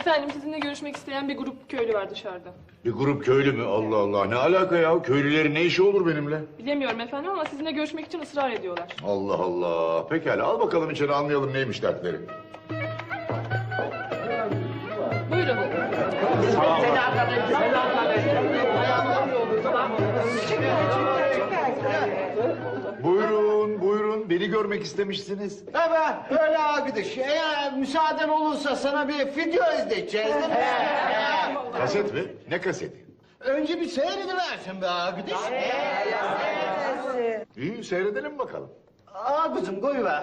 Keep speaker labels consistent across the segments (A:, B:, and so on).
A: Efendim sizinle görüşmek isteyen bir grup köylü var dışarıda.
B: Bir grup köylü mü? Allah Allah, ne alaka ya? Köylülerin ne işi olur benimle?
A: Bilemiyorum efendim ama sizinle görüşmek için ısrar ediyorlar.
B: Allah Allah. Pekala, al bakalım içeri, anlayalım neymiş dertleri.
A: Buyurun.
B: Buyurun, buyurun. Beni görmek istemişsiniz.
C: Evet, öyle arkadaş. Eğer müsaaden olursa sana bir video izleteceğiz değil mi?
B: Kaset mi? Ne kaseti?
C: Önce bir seyrediversin be arkadaş.
B: İyi, seyredelim bakalım.
C: Aa kızım koyuver.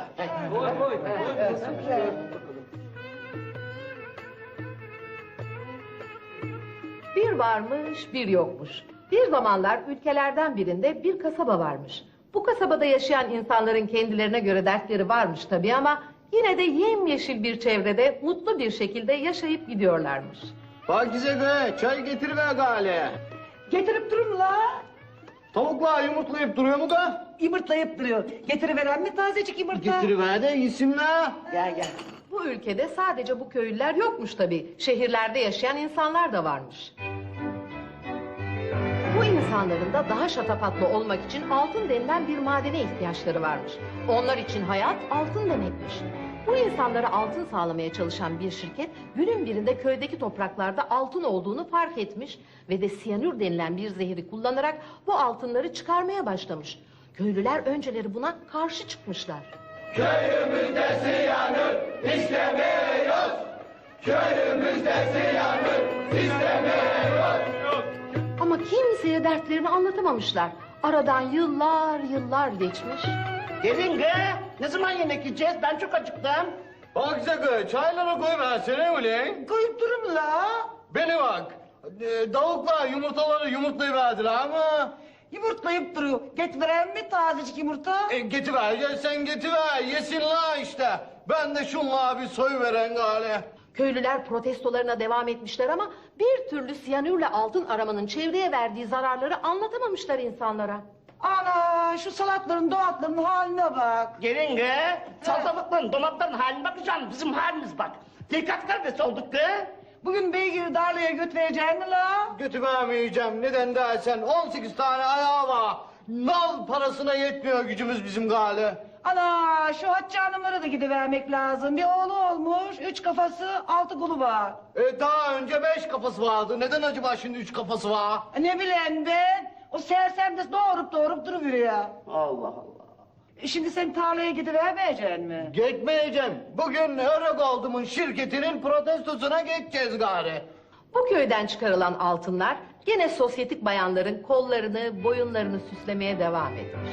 D: Bir varmış, bir yokmuş. Bir zamanlar ülkelerden birinde bir kasaba varmış. Bu kasabada yaşayan insanların kendilerine göre dertleri varmış tabii ama yine de yemyeşil bir çevrede mutlu bir şekilde yaşayıp gidiyorlarmış.
C: Pakize be, çay getiriver gale.
E: Getirip durun la.
C: Tavuklar yumurtlayıp duruyor mu da?
E: Yumurtlayıp duruyor. Getiriveren mi tazecik yumurta?
C: Getiriver de yesin la.
E: Gel gel.
D: Bu ülkede sadece bu köylüler yokmuş tabii. Şehirlerde yaşayan insanlar da varmış. Bu insanların da daha şatafatlı olmak için altın denilen bir madene ihtiyaçları varmış. Onlar için hayat altın demekmiş. Bu insanlara altın sağlamaya çalışan bir şirket günün birinde köydeki topraklarda altın olduğunu fark etmiş ve de siyanür denilen bir zehri kullanarak bu altınları çıkarmaya başlamış. Köylüler önceleri buna karşı çıkmışlar.
F: Köyümüzde siyanür istemiyoruz. Köyümüzde siyanür istemiyoruz.
D: Ama kimseye dertlerini anlatamamışlar. Aradan yıllar geçmiş.
C: Gelin be. Ne zaman yemek yiyeceğiz? Ben çok acıktım. Pakize be, çaylara koyuversene ulan.
E: Koyup durun la.
C: Beni bak. Tavuklar yumurtaları yumurtlayıverdiler ama...
E: Yumurtlayıp duruyor. Getiriveren mi tazecik yumurta?
C: Getiver, ya sen getiver. Yesin la işte. Ben de şunla bir soyuveren gale.
D: Köylüler protestolarına devam etmişler ama bir türlü siyanürle altın aramanın çevreye verdiği zararları anlatamamışlar insanlara.
E: Ana şu salatların doğatların haline bak.
G: Gelin be. Salatalıkların, dolapların haline bakacaksın. Bizim halimiz bak. Dikkat kardeşi olduk be.
E: Bugün beygiri darlaya götüreceğin mi la?
C: Götüremeyeceğim. Neden dersen 18 tane ayağı var. Nal parasına yetmiyor gücümüz bizim gale.
E: Ana şu Hatice Hanımlara da gidivermek lazım. Bir oğlu olmuş, 3 kafası, 6 kolu var.
C: Daha önce 5 kafası vardı. Neden acaba şimdi 3 kafası var?
E: Ne bileyim ben. O sersem de doğurup duruveriyor.
C: Allah Allah.
E: Şimdi sen tarlaya gidivermeyeceksin mi?
C: Gitmeyeceğim. Bugün Öregold'umun şirketinin protestosuna geçeceğiz gari.
D: Bu köyden çıkarılan altınlar gene sosyetik bayanların kollarını, boyunlarını süslemeye devam etmiş.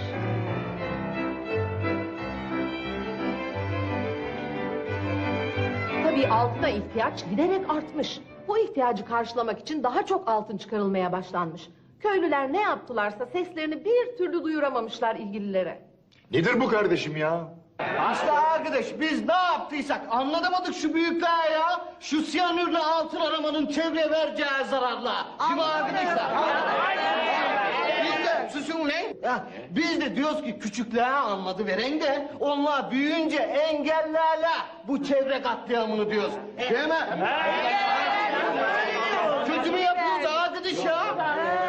D: Tabii altına ihtiyaç giderek artmış. Bu ihtiyacı karşılamak için daha çok altın çıkarılmaya başlanmış. Köylüler ne yaptılarsa seslerini bir türlü duyuramamışlar ilgililere.
B: Nedir bu kardeşim ya?
C: Aslı arkadaş biz ne yaptıysak anlatamadık şu büyükler ya. Şu siyanürle altın aramanın çevreye vereceği zararla. Değil mi arkadaşlar? Biz de susun lan. Ya, biz de diyoruz ki küçüklere anladı veren de onlar büyüyünce engellerle bu çevre katliamını diyoruz. Değil mi? Kötü mü yapıyoruz arkadaş ya?